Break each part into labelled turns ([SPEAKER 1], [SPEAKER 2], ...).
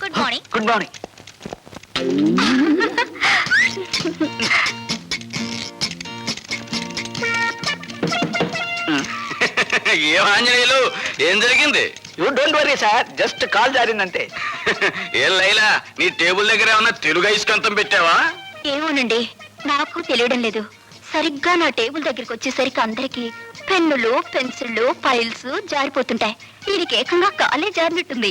[SPEAKER 1] Good morning.
[SPEAKER 2] Good morning.
[SPEAKER 3] ఏం ఆంజనేయులు, ఏం జరిగింది?
[SPEAKER 2] You don't worry sir, just call జారిందంటే.
[SPEAKER 3] ఏం లైలా, నీ టేబుల్ దగ్గర ఏమన్నా తెలుగు ఐస్కంతం పెట్టావా?
[SPEAKER 1] ఏమోనండి, నాకు తెలియడం లేదు. సరిగ్గా నా టేబుల్ దగ్గరికి వచ్చేసరికి అందరికి పెన్నులు, పెన్సిళ్ళు, ఫైల్స్ జారిపోతుంటాయి. దీనికి ఏకంగా కాలే జారినట్టుంది.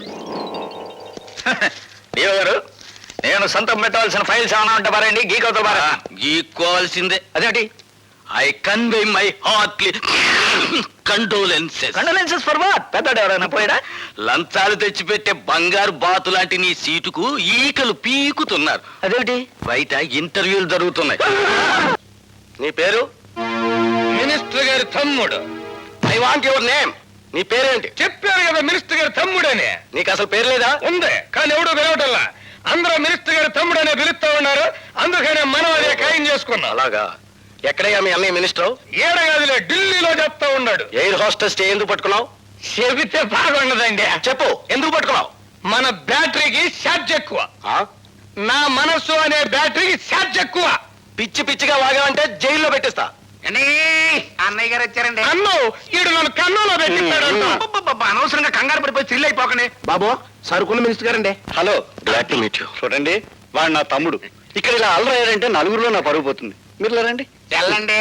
[SPEAKER 2] దేవ గారు, నేను సొంతం పెట్టవలసిన ఫైల్స్ ఏమైనా ఉంటే బారండి, గీకవుతా బారా.
[SPEAKER 3] గీక్కోవాల్సిందే.
[SPEAKER 2] అదేంటి?
[SPEAKER 3] I convey my heartly condolences.
[SPEAKER 2] Condolences for what? పెద్దడు ఎవరైనా పోయాడా?
[SPEAKER 3] లంచాలు తెచ్చిపెట్టే బంగారు బాతు లాంటి నీ సీటుకు ఈకలు పీకుతున్నారు.
[SPEAKER 2] అదేంటి?
[SPEAKER 3] బయట ఇంటర్వ్యూలు జరుగుతున్నాయి.
[SPEAKER 2] నీ పేరు?
[SPEAKER 4] మినిస్టర్ గారి తమ్ముడు.
[SPEAKER 3] I want your name. నీ పేరేంటి?
[SPEAKER 4] చెప్పారు కదా మినిస్టర్ గారి తమ్ముడని.
[SPEAKER 3] నీకు అసలు పేరు లేదా?
[SPEAKER 4] ఉంది, కానీ ఎవడు పిలవటల్లా. అందరూ మినిస్టర్ గారి తమ్ముడనే పిలుస్తా ఉన్నారు. అందుకనే మనం అదే ఖాయం చేసుకున్నాం.
[SPEAKER 3] అలాగా? ఎక్కడయ్యా మీ అన్నయ్య మినిస్టర్?
[SPEAKER 4] ఏడగదిలే ఢిల్లీలో చెప్తా ఉన్నాడు.
[SPEAKER 3] ఎయిర్ హోస్టెస్ ఎందుకు పట్టుకున్నావు?
[SPEAKER 4] చెబితే బాగుండదండి.
[SPEAKER 3] చెప్పు, ఎందుకు పట్టుకున్నావు?
[SPEAKER 4] మన బ్యాటరీకి ఛార్జ్ ఎక్కువ.
[SPEAKER 3] ఆ?
[SPEAKER 4] నా మనస్సు అనే బ్యాటరీకి ఛార్జ్ ఎక్కువ.
[SPEAKER 3] పిచ్చి పిచ్చిగా వాగావంటే జైల్లో పెట్టిస్తా.
[SPEAKER 2] అన్నయ్య గారు వచ్చారండి.
[SPEAKER 4] అన్ను ఈడు నన్ను కన్నులో పెట్టిస్తాడు.
[SPEAKER 2] అనవసరంగా కంగారు పడిపోయి థ్రిల్ అయిపోకనే.
[SPEAKER 3] బాబు, సరుకున్న మినిస్టర్ గారండి. Hello, glad to meet you. చూడండి, వాడు నా తమ్ముడు. ఇక్కడ ఇలా అల్లరయ్యారంటే నలుగురిలో నా పరుగు పోతుంది. మీరు లేరండి.
[SPEAKER 2] వెళ్ళండి.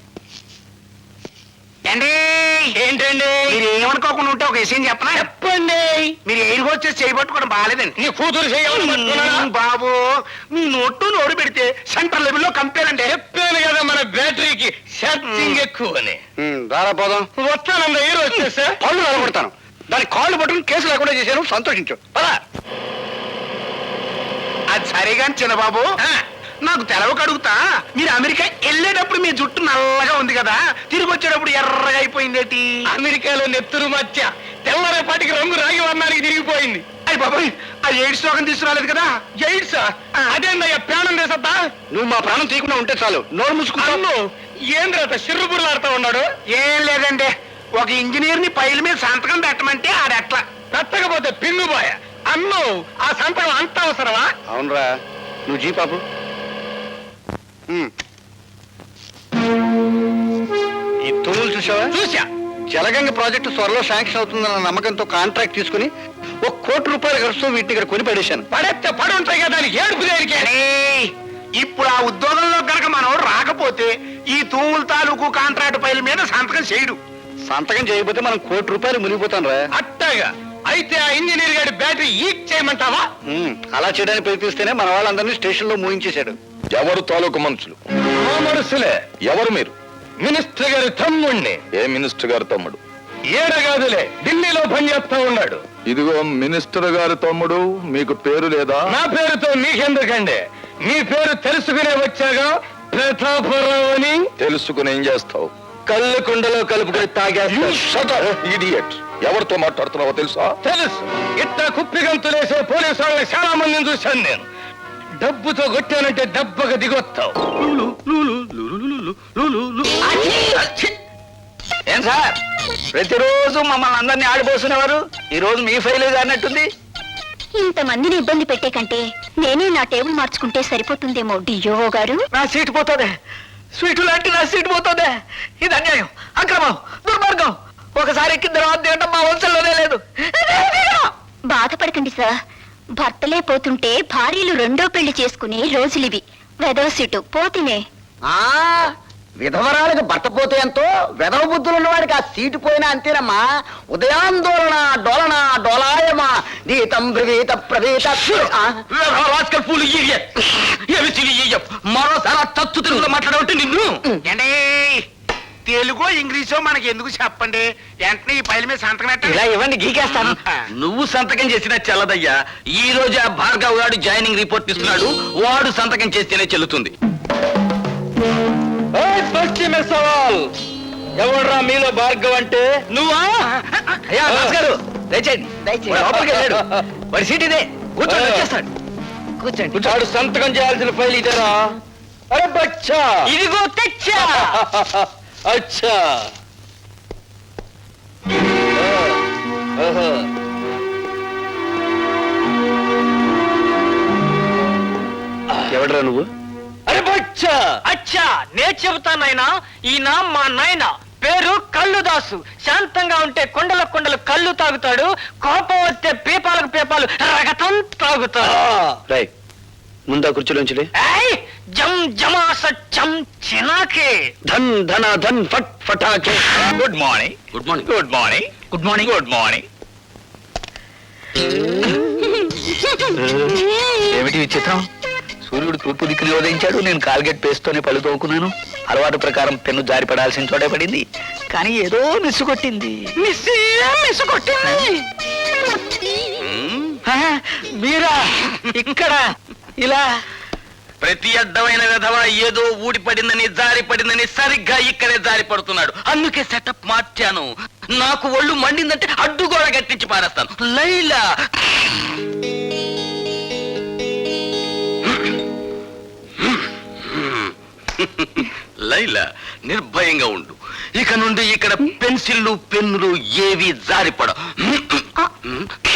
[SPEAKER 4] ఏంటండి?
[SPEAKER 2] మీరు ఏమనుకోకుండా ఉంటే ఒక విషయం చెప్పనా?
[SPEAKER 4] చెప్పండి.
[SPEAKER 2] మీరు ఎయిర్ హోస్టెస్ చేయబట్టుకోవడం బాగాలేదండి.
[SPEAKER 4] నీ కూతురు చేయాలి
[SPEAKER 2] బాబు, మీ నోరు పెడితే సెంట్రల్ లెవెల్లో కంపేర్ అండి.
[SPEAKER 4] చెప్పాను కదా మన బ్యాటరీకి ఛార్జింగ్ ఎక్కువ అని.
[SPEAKER 3] రారా పోదాం.
[SPEAKER 4] వస్తానండి, ఎయిర్ వచ్చేసా
[SPEAKER 3] పళ్ళు నిలబడతాను. దాని కాళ్ళు పట్టుకుని కేసు లేకుండా చేశాను. సంతోషించు.
[SPEAKER 2] అది సరేగాని చిన్నబాబు, నాకు తెలవక అడుగుతా. మీరు అమెరికా వెళ్ళేటప్పుడు మీ జుట్టు నల్లగా ఉంది కదా, తిరిగి వచ్చేటప్పుడు ఎర్రగా అయిపోయిందేటి?
[SPEAKER 4] అమెరికాలో నెత్తురు మధ్య తెల్లరేపాటికి రంగు రాగి వర్ణానికి తిరిగిపోయింది.
[SPEAKER 2] అయ్యి బాబాయ్, ఆ ఎయిడ్స్ రోగం తీసుకురాలేదు కదా?
[SPEAKER 4] ఎయిడ్స్ అదేందయ్యా ప్రాణం చేసద్దా?
[SPEAKER 3] నువ్వు మా ప్రాణం తీయకుండా ఉంటే చాలు. నోరు మూసుకుంటాను.
[SPEAKER 4] ఏంద్రత సిర్రుబుర్లాడుతా ఉన్నాడు?
[SPEAKER 2] ఏం లేదండి, ఒక ఇంజనీర్ ని పైల మీద సంతకం పెట్టమంటే ఆడెట్లా
[SPEAKER 4] పెట్టకపోతే పిన్నుబాయ. అన్ను ఆ సంతకం అంత అవసరమా?
[SPEAKER 3] అవునరా, నువ్వు జీ పాపు. ఈ తూములు చూసావా?
[SPEAKER 4] చూసా.
[SPEAKER 3] జలగంగ ప్రాజెక్టు త్వరలో శాంక్షన్ అవుతుందన్న నమ్మకంతో కాంట్రాక్ట్ తీసుకుని ₹1 కోటి ఖర్చుతో వీటిని ఇక్కడ కొని పడేశాను.
[SPEAKER 4] పడేస్తే పడి ఉంటాయి కదా, దానికి ఏడుపు దేనికే?
[SPEAKER 2] ఇప్పుడు ఆ ఉద్యోగంలో గనక మనం రాకపోతే ఈ తూముల తాలూకు కాంట్రాక్ట్ పైల మీద సంతకం చేయడు.
[SPEAKER 3] సంతకం చేయకపోతే మనం ₹1 కోటి మునిగిపోతాను రా.
[SPEAKER 4] అట్టగా అయితే ఆ ఇంజనీర్ గారి బ్యాటరీ ఈక్ చేయమంటావా?
[SPEAKER 3] అలా చేయడానికి ప్రయత్నిస్తేనే మన వాళ్ళందరినీ స్టేషన్ లో మూయించేశాడు.
[SPEAKER 5] ఎవరు తాలూకు మనుషులు?
[SPEAKER 4] మా మనసులే.
[SPEAKER 5] ఎవరు మీరు?
[SPEAKER 4] మినిస్టర్ గారి తమ్ముణ్ణి.
[SPEAKER 5] ఏ మినిస్టర్ గారి తమ్ముడు?
[SPEAKER 4] ఏడగాదులే, ఢిల్లీలో పనిచేస్తా ఉన్నాడు.
[SPEAKER 5] ఇదిగో మినిస్టర్ గారి తమ్ముడు, మీకు పేరు లేదా?
[SPEAKER 4] నా పేరుతో మీకెందుకండి? మీ పేరు తెలుసుకునే వచ్చాగా. ప్రతాపరావు అని.
[SPEAKER 5] తెలుసుకుని ఏం చేస్తావు?
[SPEAKER 4] కళ్ళు కుండలో కలుపుకొని తాగేస్తా.
[SPEAKER 5] ఇడియట్. ఎవరితో మాట్లాడుతున్నావో తెలుసా?
[SPEAKER 4] తెలుసు. ఇట్లా కుప్పిగంతులేసే పోలీసు వాళ్ళని చాలా మందిని చూశాను నేను. డబ్బుతో కొట్టానంటే దెబ్బగా దిగొత్తావు.
[SPEAKER 2] ఏం సార్, ప్రతిరోజు మమ్మల్ని అందరినీ ఆడిపోసుకునేవారు, ఈ రోజు మీ ఫైల్ అన్నట్టుంది.
[SPEAKER 1] ఇంతమందిని ఇబ్బంది పెట్టే కంటే నేనే నా టేబుల్ మార్చుకుంటే సరిపోతుందేమో డియో గారు.
[SPEAKER 2] నా సీటు పోతుంది, స్వీటు లాంటి నా సీటు పోతుంది. ఇది అన్యాయం, అక్రమం, దుర్మార్గం. ఒకసారి ఎక్కిన తర్వాత తినడం మా వంశంలోనే లేదు.
[SPEAKER 1] బాధపడకండి సార్, భర్తలే పోతుంటే భార్యలు రెండో పెళ్లి చేసుకునే రోజులివి. వెదవ సీటు పోతినే.
[SPEAKER 2] విధవరాలకు భర్త పోతే ఎంతో, వెధవ బుద్ధులు ఉన్నవాడికి ఆ సీటు పోయినా అంతేనమ్మా. ఉదయాందోళన డోలన డోలాయమా గీతం బ్రవీత ప్రవీత.
[SPEAKER 3] మరోసారి తత్తు తెలుగులో మాట్లాడవంటే నిన్ను.
[SPEAKER 2] ఏంటే తెలుగో ఇంగ్లీషో మనకి ఎందుకు చెప్పండి, వెంటనే ఈ పైల మీద సంతకం పెట్టండి. ఇలా ఇవ్వండి, గీకేస్తాను.
[SPEAKER 3] నువ్వు సంతకం చేసినా చెల్లదయ్యా. ఈ రోజు ఆ భార్గవ్ గారు జాయినింగ్ రిపోర్ట్ ఇస్తున్నాడు. వాడు సంతకం చేస్తేనే చెల్లుతుంది.
[SPEAKER 4] ఎవడ్రా మీలో భార్గవ్ అంటే?
[SPEAKER 3] నువ్వా?
[SPEAKER 2] అయ్యా గారు, దయచేయండి. లోపలికి వెళ్ళాడు. వాడి సీట్ ఇదే, కూర్చోండి, వచ్చేస్తాడు. కూర్చోండి.
[SPEAKER 4] వాడు సంతకం చేయాల్సిన ఫైల్ ఇదేరా? అరే బచ్చా,
[SPEAKER 2] ఇదిగో తెచ్చా.
[SPEAKER 4] అచ్చా.
[SPEAKER 3] ఎవడరా నువ్వు?
[SPEAKER 4] అరే బచ్చా అచ్చా నే చెబుతానైనా ఈయన మా నాయన పేరు కల్లుదాసు. శాంతంగా ఉంటే కొండల కొండలు కళ్ళు తాగుతాడు, కోపం వస్తే పీపాలకు పీపాలు రగతం తాగుతాడు.
[SPEAKER 3] రై ముందా కుర్చీలోంచి
[SPEAKER 4] ఏయ్, జం జమాస చం చినాకే.
[SPEAKER 3] ధన్ ధన ధన్ ఫట్ ఫటాకే.
[SPEAKER 4] Good morning.
[SPEAKER 3] Good morning.
[SPEAKER 4] Good morning. Good morning. Good morning.
[SPEAKER 6] ఏమిటి విచిత్రం? సూర్యుడు తూర్పు దిక్కుని ఉదయించాడు, నేను కాల్గేట్ పేస్తోనే పళ్ళు తోముకున్నాను. అలవాటు ప్రకారం పెన్ను జారి పడాల్సిన చోటే పడింది, కానీ ఏదో మిస్సు కొట్టింది. మీరా ఇక్కడ ఇలా?
[SPEAKER 2] ప్రతి అడ్డమైన విధవ ఏదో ఊడిపడిందని జారి పడిందని సరిగ్గా ఇక్కడే జారి పడుతున్నాడు. అందుకే సెటప్ మార్చాను. నాకు ఒళ్ళు మండిందంటే అడ్డుగోడ గట్టించి పారేస్తాను. లైలా లైలా నిర్భయంగా ఉండు. ఇక నుండి ఇక్కడ పెన్సిళ్ళు పెన్నులు ఏవి జారిపడ.